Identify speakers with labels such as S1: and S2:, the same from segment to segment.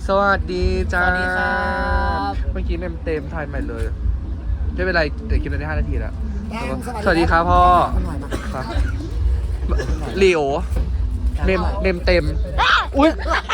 S1: สวัสดีจ้า
S2: สวัสดีครับ
S1: เมื่อกี้เต็มถ่ายใหม่เลยไม่เป็นไรเดี๋ยวคลิปนั้นได้5 นาทีแล้ว สวัสดีครับพ่อครับหลิวเต็มอุ้ย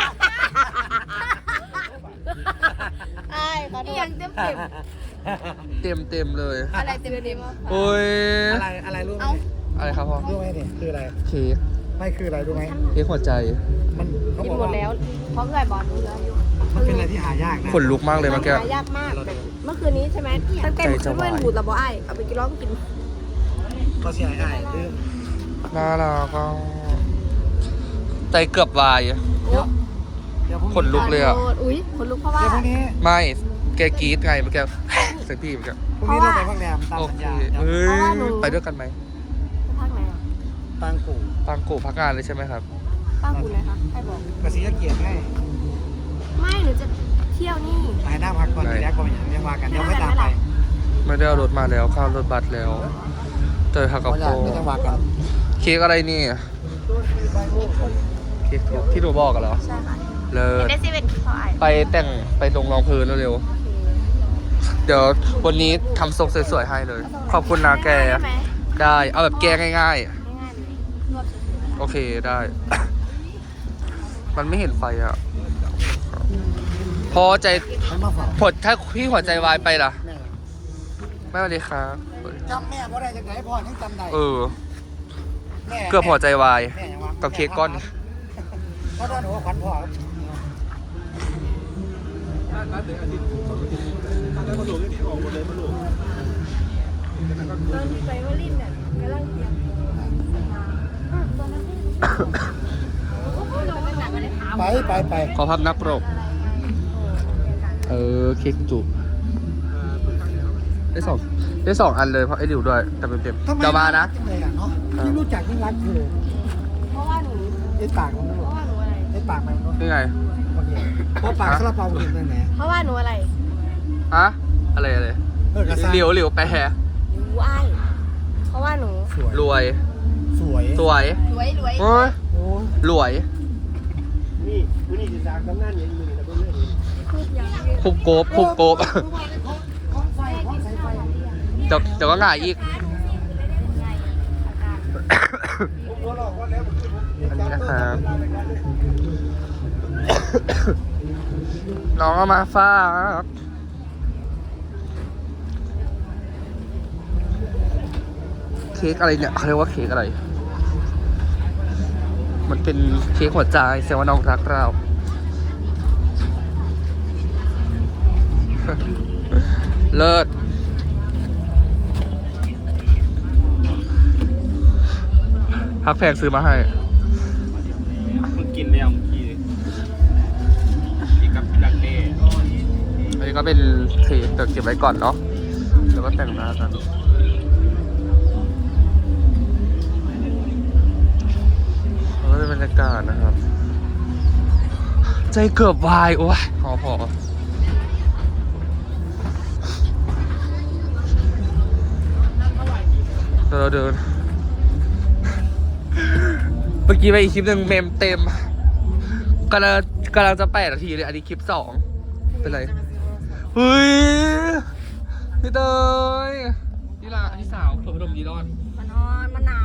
S2: ไอ้เขาดูยังเต็ม
S1: เต็มเลย
S2: อะไรเต็ม
S1: โอ้ย
S3: อะไรรู้ไหม
S1: อะไรครับพ่อ
S3: รู้ไหมเนี่ยคืออะไร
S1: เค้ก
S3: ไม่คืออะไรรู้ไหม
S1: เค้กหัวใจ
S3: มันเขา
S2: กิน
S3: บอก
S2: หม
S3: ว่า
S2: ดแล้วเพราะเกิดบอลรู้แล้วอยู่
S3: มันเป็นอะไรที่หายากนะ
S1: ขนลุกมากเลยเมื่อกี้
S2: หายากมากเมื่อคืนนี้ใช่ไหมตั้งแต่ขึ้นเว้นบูดระบไอ้เอาไปกินร้องกิน
S3: ก็เสียหายคือ
S1: น่ารักอ่ะใจเกือบวาย
S3: เดี๋ยวพรุ่ง
S1: ขนลุกเลยอ่ะ
S2: อุ้ยขนลุกเพราะว่า
S3: เดี๋ยวพรุ่งนี้
S1: ไม่แกกรี๊ดไงเมื่อกี้เสียงพี่เมื่อกี้
S3: พรุ่งนี้เราไปพักแรมตาม
S1: โอ
S3: สัญ
S1: เค
S3: ญา
S1: เฮ้ยไปด้วยกันไหม
S2: ภาคไหน
S3: ปางกู่
S1: ปังโกพักงานเลยใช่ไหมครับ
S2: ภาคกูเลยคะใครบอก
S3: กระสีเกียรติให้
S2: ไม่หนูจะเที่ยวนี่
S3: ไปหน้าพักก่อนทีแรกก็ไม่อย่างเรียกว่ากันเดี๋ยวไม่ตามไป
S1: ไม่ได้เอารถมาแล้วข้าวรถบัสแล้วเจอฮักกับ
S3: ไม่
S1: โป
S3: ไม่ต้องว่ากัน
S1: เค้กอะไรนี่เค้กที่หนูบอกกันเหรอ
S2: ใช่ค่ะ
S1: เลิศ
S2: ได้ซีเป็นพ่อไอ้
S1: ไปแต่งไปตรงรองพื้นเร็วๆเดี๋ยววันนี้ทำทรงสวยๆให้เลย ขอบคุณนะแก ได้เอาแบบแกง่าย
S2: ง่ายๆเลยรวบสุดๆ
S1: ๆ โอเคได้ มันไม่เห็นไฟอ่ะ พอใจ
S3: มันมาฝาก
S1: ผดถ้าพี่หัวใจวายไปล่ะ
S3: แม่
S1: ไม่สวัสดีครับ
S3: จำแม่เพราะอะไรจะไหนพ่อยังจำได้
S1: เออ
S3: แม่
S1: เกือบหัวใจวาย
S3: แม่ยังวะ
S1: กับเค้กก้อน
S3: เพราะตอนหนูขวัญพ่อ
S2: ตอนที่ไปวลินเนี่ยกำลังเทียมตอนนั้น
S3: ไป
S1: ขอภาพนับปรก เออเค้กจุกได้สองอันเลยเพราะไอ้หลิวด้วยแต่เต็มๆเดี๋ยวมานะ
S3: จังเลยอ่ะเนาะยิ่งรู้จักยิ่งรักเธอ
S2: เพราะว่าหนู
S3: ไอ้ปากมัน
S2: เพราะว่าหนูอะไร
S3: ไอ้ปากมัน
S1: นี่ไง
S3: โอเคเพราะปากซาลาเปาเห็นตั้งไหน
S2: เพราะว่าหนูอะไร
S1: อะอะไร
S3: กระซ่า
S1: หลิวแปร
S2: หนูไอ้เพราะว่าหนู
S3: สวย
S1: รวย
S3: สวย
S1: สวย
S2: รวย
S1: โอ้ย
S3: โอ้
S1: รวย
S3: นี่วันนี้จะสร้างตำนานอย่างนี้นะเพื่อน
S2: พูดยัง
S1: คุบโกบ
S3: ของไฟของสายไฟ
S1: เดี๋ยวก็หงายอีก
S3: ผมหัวหลอกว่าแล้ว
S1: อันนี้นะครับ น้องเอามาฝากเค้กอะไรเนี่ยเขาเรียกว่าเค้กอะไร มันเป็นเค้กหัวใจแสดงว่าน้องรักเรา เลิศพักแพงซื้อมาให้
S4: มึงกินแล้วเมื่อกี้กินกับดักเน่
S1: อันนี้ก็เป็นเค้กแต่เก็บไว้ก่อนเนาะแล้วก็แต่งหน้ากันแล้วก็เป็นบรรยากาศนะครับ ใจเกือบวาย โอ้ยพอเราเดิน เมื่อกี้ไปอีกคลิปหนึ่งเมมเต็มกำลังจะ8 นาทีเลย อันนี้คลิป 2เป็นไร เฮ้ย พี่เตยพี่ลาพี่สาวเปิดพัดลมดีรอด
S2: มันนอนมันหนาว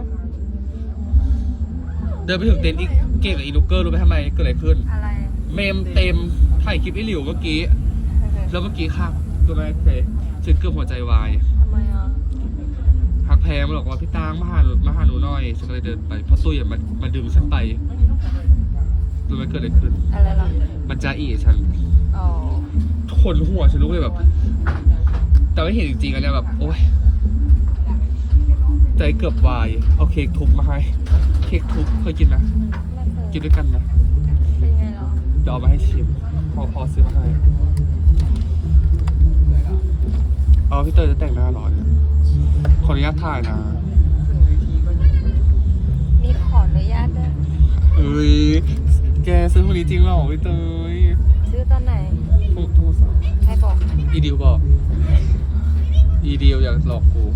S1: เดินไปถึงเต็นท์อีกเก่งกับอีลูกเกอร์รู้ไหมทำไมเกิดอะไรขึ้น
S2: อะไร
S1: เมมเต็มถ่ายคลิปไอ้หลิวเมื่อกี้ แล้วเมื่อกี้ครับรู้ไหมเฟยฉันเกือบหัวใจวาย
S2: ทำไมอ่ะ
S1: หักแพงมาบอกว่าพี่ตางมาหาหนูหน่อยฉันก็เลยเดินไปเพราะตุ้ยอะมาดึงฉันไปรู้ไหมเกิดอะไรขึ้น
S2: อะไรล่ะ
S1: มันจะอีฉัน
S2: อ๋อ
S1: ขนหัวฉันลุกเลยแบบ แต่ไม่เห็นจริงๆอันเนี้ยแบบ โอ๊ยใจเกือบวายเอาเค้กทุบมาให้เค้กทุบเคยกินนะกินด้วยกันนะ
S2: เป็นไงเหรอ
S1: เดี๋ยวเอามาให้ชิมพอซื้อมาให้เอาพี่เตยจะแต่งหน้าหรอเนี่ยขออนุญาตถ่ายนะ
S2: มีขออนุญาตด้วย
S1: เอ้ยแกซื้อพวกนี้จริงเหรอพี่เตย
S2: ซื้อตอนไหน
S1: โทรศัพท์
S2: ใครบอก
S1: อีดิวบอกอีดิวอยากหลอกกู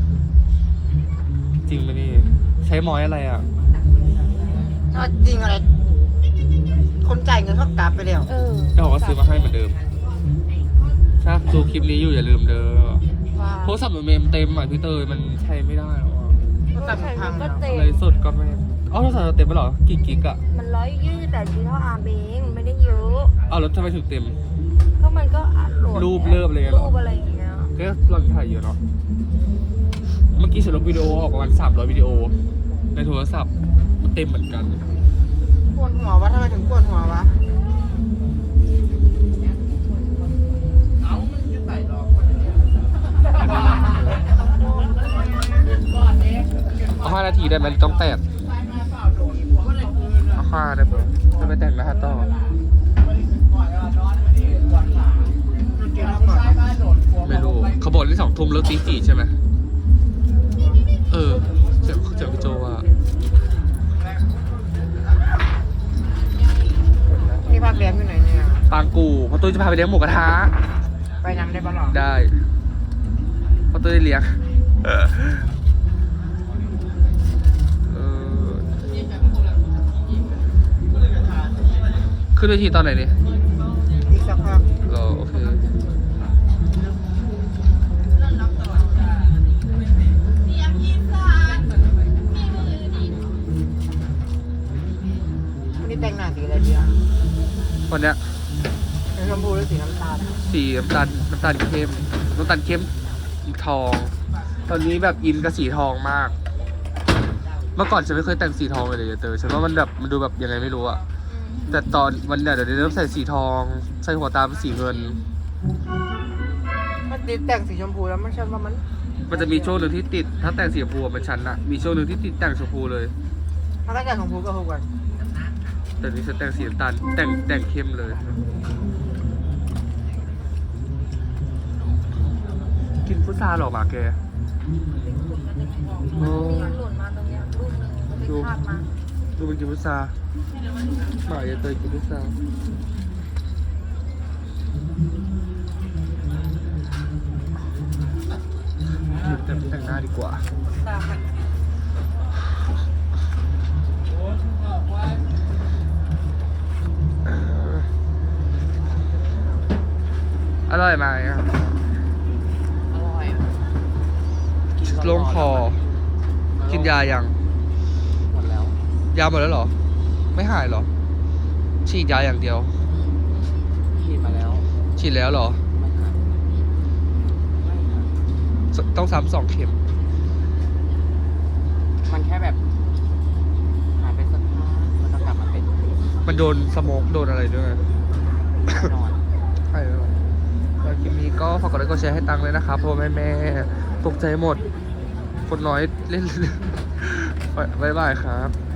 S1: จริงไหมนี่ใช้มอยอะไรอ่ะ
S3: จริงอะไร
S1: ข
S5: คนจ่ายเงินเขากลับไปแล้ว
S1: เจ้าของก็ซื้อมาให้เหมือนเดิมถ้าดูคลิปนี้อยู่อย่าลืมเด้อ
S2: ว้า
S1: โทรศัพท์เมมเต็มอ่ะพี่เตยมันใช้ไม่ได้หรอก
S5: ก็ตัดพัง
S2: ก็
S5: แล้ว
S2: เต็ม
S1: เลยสดก็ไม่อ๋อโทรศัพท์เราเต็มไปหรอกี่กิกอะ
S2: มัน128 กิโลอาร์เองไม่ได้เยอะ
S1: อ้าวแล้วทำไมถึงเต็ม
S2: ก็มันก็อัดโหลด
S1: รูปเลิฟอะไรเหรอ
S2: รูปอะไรอย่างเงี้ย
S1: ก็เราถ่ายเยอะเนาะเมื่อกี้ฉันลบวิดีโอออกประมาณ300 วิดีโอ ในโทรศัพท์มันเต็มเหมือนกัน
S5: ปวดหัววะทำไมถึงปวดหัววะ
S1: เอา5 นาทีได้ไหมหรือต้องแตกเอา5ได้ปะจะไปแต่งนะฮะต่อไม่รู้เขาบอกที่2 ทุ่มแล้วตี 4ใช่ไหมเออเสียงพี่โจว่า
S5: นี่พักแรมอยู่ไหนเนี่ย
S1: ปางกูเพราะตุ้ยจะพาไปเลี้ยงหมูกระทะ
S5: ไปนำได้ปะหรอ
S1: ได้เพราะตุ้ยได้เลี้ยงเออขึ้นเวทีตอนไหนนี่
S5: อีกสักพัก
S1: รอโอเค
S5: วันนี้แต่งหน้าสีอะไรดีอ่ะ
S1: วันเนี้ย
S5: สีชมพูหรือสีน้ำตาล
S1: สีน้ำตาลเข้มน้ำตาลเข้มทอง ตอนนี้แบบอินกับสีทองมาก เมื่อก่อนฉันไม่เคยแต่งสีทองเลยเตอฉันว่ามันแบบมันดูแบบยังไงไม่รู้อะแต่ตอนวันเนี้ยเดี๋ยวเริ่มใส่สีทอง ใส่หัวตาเป็นสีเงิน
S5: มันติดแต่งสีชมพูแล้วมันฉันว่ามัน
S1: มันจะมีช่วงหนึ่งที่ติด ถ้าแต่งสีชมพูเป็นชั้นอะมีช่วงหนึ่งที่ติดแต่งชมพูเลย
S5: ถ้าแต่งชมพูก็ถูกกัน
S1: แต่นี้ฉันแต่งสีน้ำตาลแต่งเข้มเลย กินพุทราหรอหมาแก
S2: มีหล่นมาตรงเนี้ยรูปนึงไปคาบมา
S1: ดูมันกินพุทราหมาอย่าเตยกินพุทราแต่งหน้าดีกว่า อร่อยไหมครับ
S5: อร่อย
S1: โล่งคอ กินยายัง
S5: หมดแล้ว
S1: ยาหมดแล้วเหรอ ไม่หายเหรอ ฉีดยาอย่างเดียว
S5: ฉีดมาแล้ว
S1: ฉีดแล้วเหรอ
S5: ไม่หายไม่หาย
S1: ต้องซ้ำ2 เข็ม
S5: มันแค่แบบหายไปสักพักมันก็กลับมาเป็น
S1: มันโดนสโมกโดนอะไรด้วย
S5: แน่นอน
S1: ใช่แล้วแล้วคลิปนี้ก็ฝากกดไลค์กดแชร์ให้ตังค์เลยนะครับเพราะแม่ตกใจหมด คนน้อยเล่น บ๊ายบายครับ